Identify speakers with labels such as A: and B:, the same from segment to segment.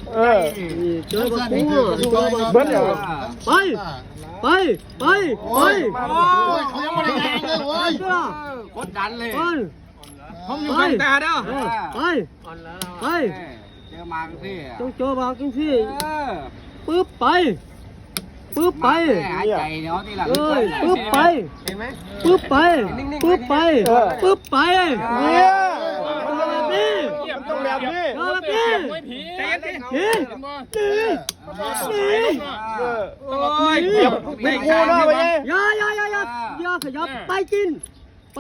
A: เจอบักกูเบิ้ลไปเขายังไม่ได้แรงเลยเว้ยกดดันเลยผมอยู่ข้างตาเด้อไปเจอมาจังซี่ต้องเจอมาจังซี่ปึ๊บไปหายใจเนาะที่หลังปึ๊บไปเห็นไหมปึ๊บไปเนี่ยต้องแบบนี้ใจเย็นดิไม่กูนะไปอย่าขยับไปกินไป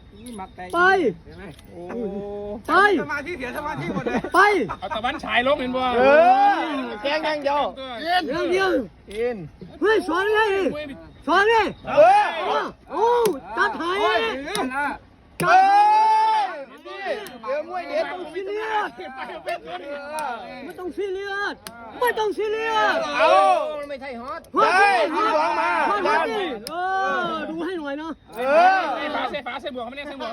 A: สมาธิเสียสมาธิหมดเลยไปเอาตะวันฉายลงเห็นบ่แกงเดียวกินเฮ้ยสอนเลยโอ้จัดไทยเดี๋ยวมวยเด็ดต้องซีเรียสไม่ต้องซีเรียสเอาไม่ใช่ฮอตคุณร้องมาดูให้หน่อยนะเส้ฝาบวกมันเนี่ยเข้า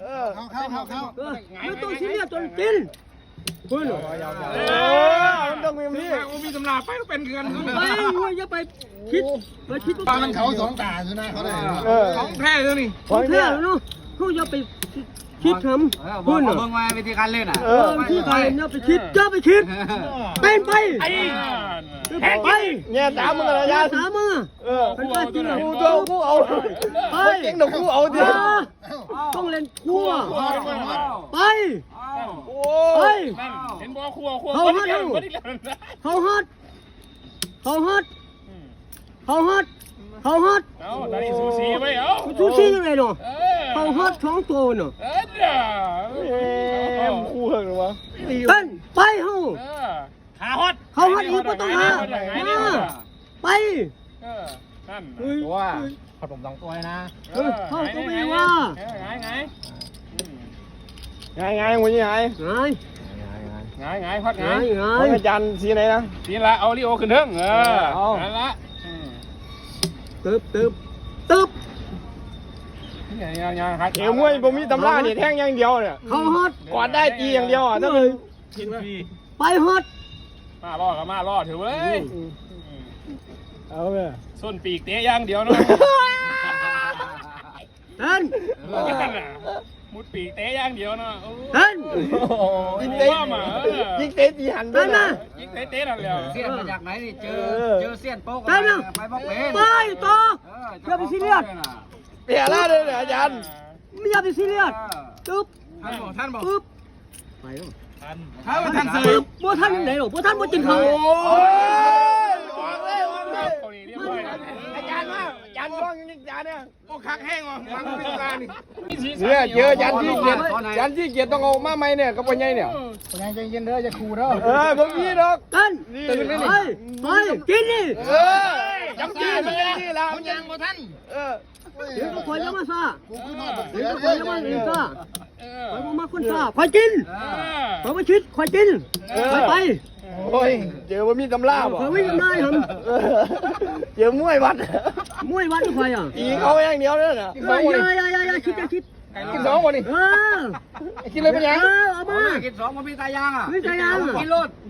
A: ไม่ต้องซีเรียสจนกินคุณมันต้องมีตำราไปเป็นเงินไปอย่าไปคิดว่ามันเขาสองตาใช่ไหมเขาได้ของแท้เลยนี่ของแท้เนาะเขาอย่าไปคิดทำพูดเหรอเบิ่งมาวิธีการเล่นอ่ะวิธีการเล่นเนี่ยไปคิดเป็นไปเนี่ยสามมือเลยเป็นไปจริงเหรอกูเอาเก่งหนูกูเอาดิต้องเล่นคู่ไปเห็นบ่คู่เขาฮัดตอนนี้ซูซีไปซูซียังไงเนาะเขาฮัด2 ตัวเนาะคู่เหรอวะเป็นไปเขาฮัดอีกก็ต้องหาไปว่าขนม2 ตัวนะเขาก็ไม่ว่าไงวันนี้ไงพัดไงอาจารย์สีไหนนะสีละเอาลิโอขึ้นเถิงนั่นละตึ๊บเอวมวยผมมีตำราเนี่ยแทงอย่างเดียวเนี่ยเขาฮอตกอดได้ตีอย่างเดียวอ่ะต้องไปฮอตมาล่อถือเว้ยเอาเลยส้นปีกเตะอย่างเดียวเนาะเต้นมุดปีกเตะอย่างเดียวเนาะเต้นยิงเตะตีหันด้วยนะยิงเตะนั่นแหละเสี้ยนมาจากไหนนี่เจอเสี้ยนโป๊กไปบอกเป็นไปต่ออย่าไปซีเรียสเปลี่ยนแล้วเลยอาจารย์ไม่อย่าไปซีเรียสตึ๊บท่านบอกตึ๊บไปท่านซื้อบัวท่านไหนหรอบัวท่านบัวจินเขาอาจารย์ว่าอาจารย์ร้องอย่างนี้อาจารย์เนี่ยโอ้คักแห้งว่ะฟังไม่ต้องการนี่เนี่ยเจออาจารย์ที่เกียรติต้องเอามาไหมเนี่ยกับปัญญาเนี่ยปัญญาใจเย็นเด้อจะขู่เด้อผมยี่ดอกกันตื่นเลยไปกินนี่จำกินนี่ละมันยังบ่ท่านเดี๋ยวก็คอยยังมาซาคอยยังมาอีกซาคอยมาคนซาคอยกินคอยมาชิดคอยกินไปโอ้ยเจอว่ามีตำราบ่เขาไม่ทำได้ครับเจอมวยวัดทุกใครอ่ะอีเขาอย่างเดียวเลยนะอย่าคิดกิน2คนนี่กินเลยเป็นยังเอามากิน2มันมีตายางอ่ะมีตายางกินรถ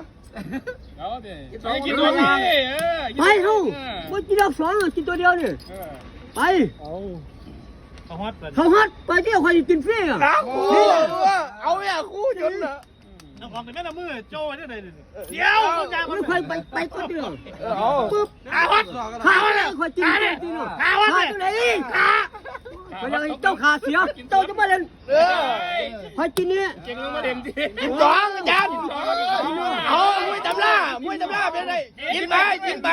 A: กินตัวนี้ไปเขาไม่กินดอก2กินตัวเดียวนี่ไปเขาฮัดไปเที่ยวใครกินฟรีอ่ะเอาเนี่ยคู่จนอ่ะน้องของแต่แม่ละมือโจ้เนี่ยเลยเดี๋ยวมันใครไปก็เดียวปึ๊บขาเลยใครกินขาตัวไหนขาไปเลยเจ้าขาเสียเจ้าจะมาเล่นใครกินเนี่ยเก่งมาเด่นดิกิน2อาจารย์เอามวยตำราเป็นไรกินไป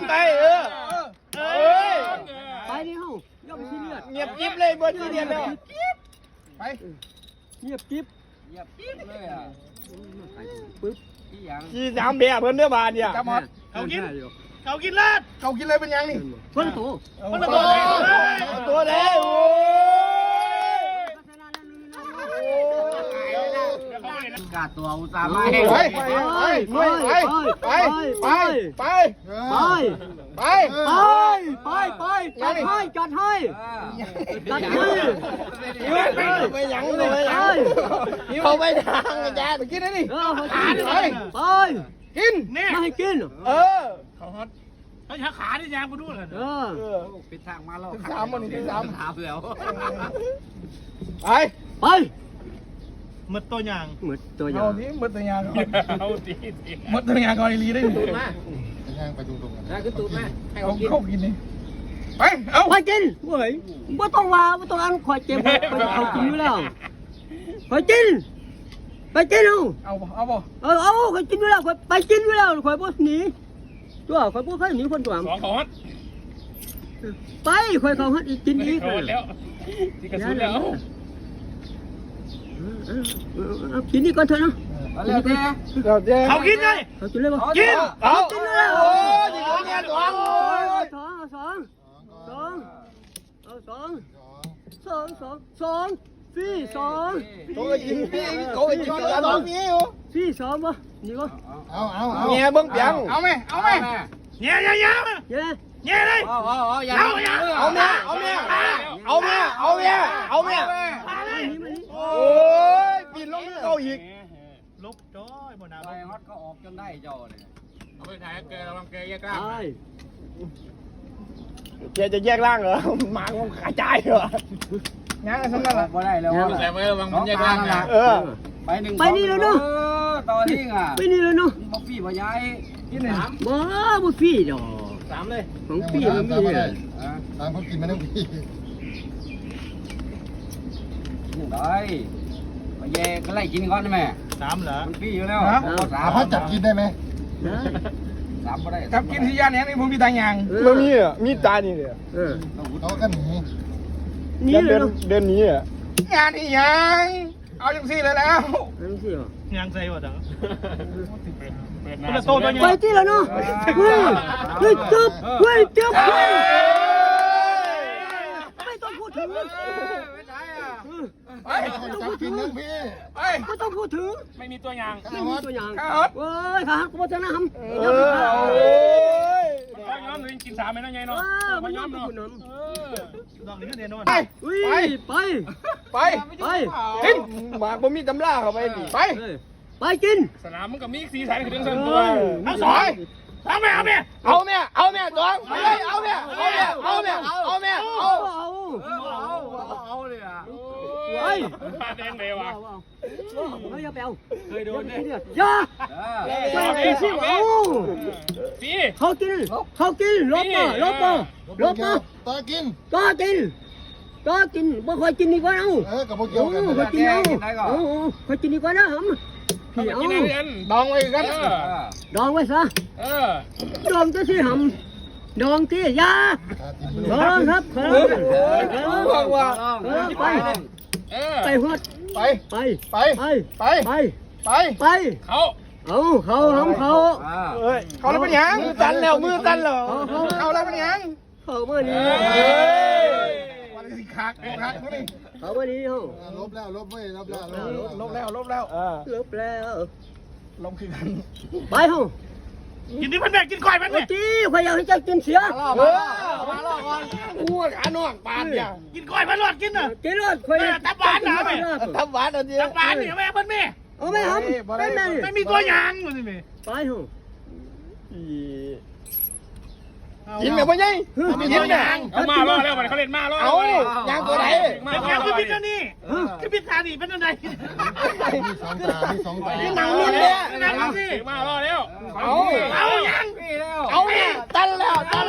A: ไปนี่เฮาย่อมซีเรียสเงียบกิ๊บเลยบนซีเรียสแล้วไปเงียบกิ๊บเลยอ่ะปึ๊บที่3แบบเพิ่นเด้อบาดเนี่ยเขากินเลยเป็นยังนี่เพิ่นตัวเลยกาตัวอุตส่าห์มาไปจัดให้ไปยังเลยเขาไปทางอาจารย์กินได้ดิไปกิน
B: เนี่ย
C: ไม่ให้กิน
B: เขาฮอตเขาช้าขาที่ยางกูดูเลย
D: ปิดทางมาแล้ว
A: ที่3วันนี้ที่3
D: ถามแล้ว
A: ไป
C: ไป
B: มืดตัวยาง
C: หมดตัวอ
A: เอา
C: ย่าง
A: ที่มดตัวยาง
B: เอาดี
A: มดตัวยางก่อนลีได้
D: ย่างไปตรงๆกัน
C: คือตูดแม่
A: เขากินนี่ไปเอา
C: ไปกินเว้ยไม่ต้องว่าไม่ต้องอันคอยเจ็บคอยเอากินอยู่แล้วคอยกินไปกินเอา
A: บ่
C: เอาคอยกินอยู่แล้วคอยไปกินอยู่แล้วคอยบ่หนีตัวคอยบ่เคยหนีคนตัว
B: สองเขาฮอต
C: ไปคอยเขาฮัดอีกกินอีก
B: เขาฮอตแล้วที่กระสุนแล้ว
C: เอากินนี่ก่อนเถอะเนาะ
A: เราเจ๊
B: เขากินไง
C: เขากินเลยบ่
B: กิน
A: เอากินเลยโอ้ยนี่เขาเนี่ยตัว
C: สองสี่สอง
A: ตัวยิงพี่เขายิงตัวน้องพี่อยู่
C: สี่สองบ่นี่ก็
D: เอา
A: เงี้ยเบิ้งเปียงเอาไหม
B: เงี้ย
C: เย้
B: เงี้ยเลย
D: อย่า
A: เอาเมียโอ้ยปีนลงเขาอีก
B: ลบจ้อยบนน้ำ
D: ไปฮอตก็ออกจนได้จอเลย
B: เอาไปถ่ายแกระวังแกแยกกล้า
A: แกจะแยกร่างเหรอหมาของขาใจเหรองั้นสำนักละ
D: บ่ได้แล้ว
B: แต่เมื่อวังมันแยกกล้านะ
D: ไปหนึ่ง
C: ไปนี่แล้วเนาะ
D: ตอนนี้อ่ะ
C: ไปนี่แล้วเนาะ
D: บ่พี่บ่ย้าย
A: กินเลย
C: บ่ฟรีดอก
B: 3เลย
C: ของฟรีมันมีเลย
D: ตามเขากินมาทั้งพี่ได้ไปแย่ก็ไล่กินก่อนได้ไหม
B: 3เหรอ
D: มันพี่อยู่แล้ว
E: เขาจับกินได้ไหม
C: ได้
D: 3บ่ได้
A: จับกินที่ย่านนี้นี่ผมมีตายางมันมีอ่ะมีตานี่เลย
E: เขาก็หนี
C: นี่เลยเนาะ
A: เดินนี้อ่ะงานนี่ยังเอาจังซี่เลยแล้ว
C: นั่นสิเหรอย
B: างใส่หมดอ่ะ
C: ไปที่แล้วเนาะเฮ้ยจุ๊บไม่ต้องพูดถึง
A: ไป
E: จับกินทั้งพี่
A: ไป
C: ไม่ต้องพูดถึง
B: ไม่มีตัวยาง
C: ไม่มีตัวอย่าง
A: ครับ
C: เว้ยขาหักกูบ่จะนะหำ
A: โอ้ย
B: เขาย้อมหรือกิน3ไหมนะไงเนาะ
C: มันยอมกูน
B: ดอกนี้ก็เด่นนอน
A: ไป
C: ำไป
A: ไป
C: ไป
A: กินหมากบ่มีตำราเข้าไปดิไป
C: ไปกิน
B: สนามมันก็มีสีสันคือเรื่องส่วนตัวเอาสองเอาแม่
A: เอาแม่จองไปเลยเอาแม่
D: เอาเลยอ่ะ
C: ไป
B: ปลาแดงเลยว่ะ
C: ไม่อย่าไปเอา
D: เคยโดนเนี่ย
C: อย่า
B: สี
C: เขากินลบมา
E: ตากิน
C: ก็กินบ่ค่อยกินดีกว่าเอา
E: กับพวกเกี่ยวกัน
C: ค่อยกินเอาค่อยกินดีกว่านะหำพี่เอา
B: กินเงิน
A: ดองไว้กัน
C: ดองไว้ซะดองจะสิหำดองที่ยาดองครับ
A: บอกว่า
C: ไปฮอด
A: ไป
C: ไป
A: ไป
C: ไป
A: ไป
C: ไป
A: ไป
C: ไป
B: เขา
C: เขาหำเขา
A: เฮ้ยเขาแล้วเป็นยังมือตันแล้วเขาแล้วเป็นยัง
C: เขาเมื่อนี้
A: วันนี้คักนี่
C: เขาเมื่อนี้เขา
E: ลบแล้วลบแล้ว
A: ลบแล้ว
C: ลบแล้ว
A: ลบคือกัน
C: ไปเขา
B: กินที่พันแม่กินก่อยมัน
C: โอ้
B: เนี่ย
C: จีข่อยอยากให้เจ้ากินเสีย
A: มาล่อก่อนอ้วนขาหนวกปานอย่าง
B: กินก่อยมันรอดกินน่ะ
C: กินรถข่อย
B: ตับหวานนะแม่
A: ทับหวานอันนี้
B: ตับหวานเนี่ยแม่เพิ่นแม่
C: เอาไม่หำเป็นไง
B: ไม่มีตัวยางมันนี่แม่
C: ไปเขา
A: กินแบบว่าไงกินเนี่ย
B: เอามาล่อแล้วมันเขาเล่นมาล่อ
A: เอายางตัวไหน
B: เป็นยางคือพิษนี่คือพิษทานี่เป็นอะไร
E: มีสองตามีสองตา
A: หนังนิ่มเนี่ย
B: นั่งสิมาล่อแล้ว
A: เอายัง
D: พี่แล้ว
A: เอาเนี่ยตันแล้ว
B: มา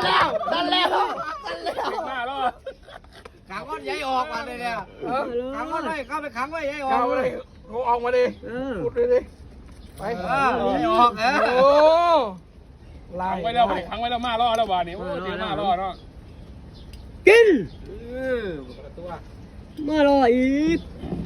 B: ล่อ
D: ขังก้อนใหญ่ออกมาเลยเนี่ยขังก้อนไว้เข้าไปขังไว้ใหญ่ออก
A: เอาเลยกูออกมาดิพูดดิไป
D: ใหญ่ออก
A: โอ้ลา
B: ขั
A: ย
B: งไว้แล้วขังไว้แล้วมาล่อแล้ววานี่โอ้เดี๋ยวมาล่อเนาะ
C: กิน
D: ตัว
C: มารออีก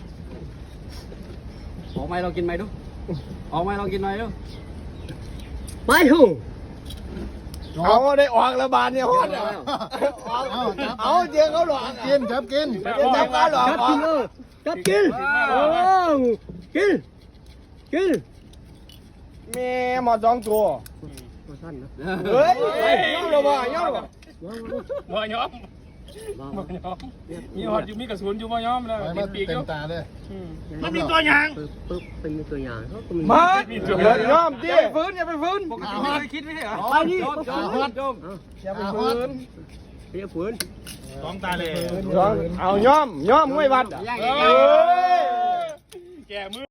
D: ออกไหมเรากินไหมดูออกไหมเรากินไหมดู
C: ไปเขา
A: เอาได้ออกแล้วบานเนี่ยฮอดเอาเจอเขาหลอก
E: กินจับกิน
A: จับเขาหลอก
C: จับกินกิน
A: แม่หมอ2ตัว
C: สั้นนะ
A: เฮ้ยย่อหรอบ่ย่อหรอ
B: บ่ยอมมีหอดอยู่มีกระสุนอยู่บ่ยอมเลย
E: ไป
B: มี
E: มา
B: ปีกอ
E: เต็ม
B: ยู่
E: ตาเลย
B: มันมีตัวอย่าง
C: ปึ๊บเป็นตัวอย่างเขาก็มี
A: มาเย้อมดิอย่าไปฟื้นอย่าไปฟื้น
D: ไม่เคยคิดไม่ใช่เหรอ
C: ไปนี่
A: อย่าไปฟื้น
C: เรียกฝืน
B: สองตาเลย
A: เอาย่อมไม่วัด
D: ย่าง
A: เอ้
D: เงี้ย
A: ย
B: แกมือ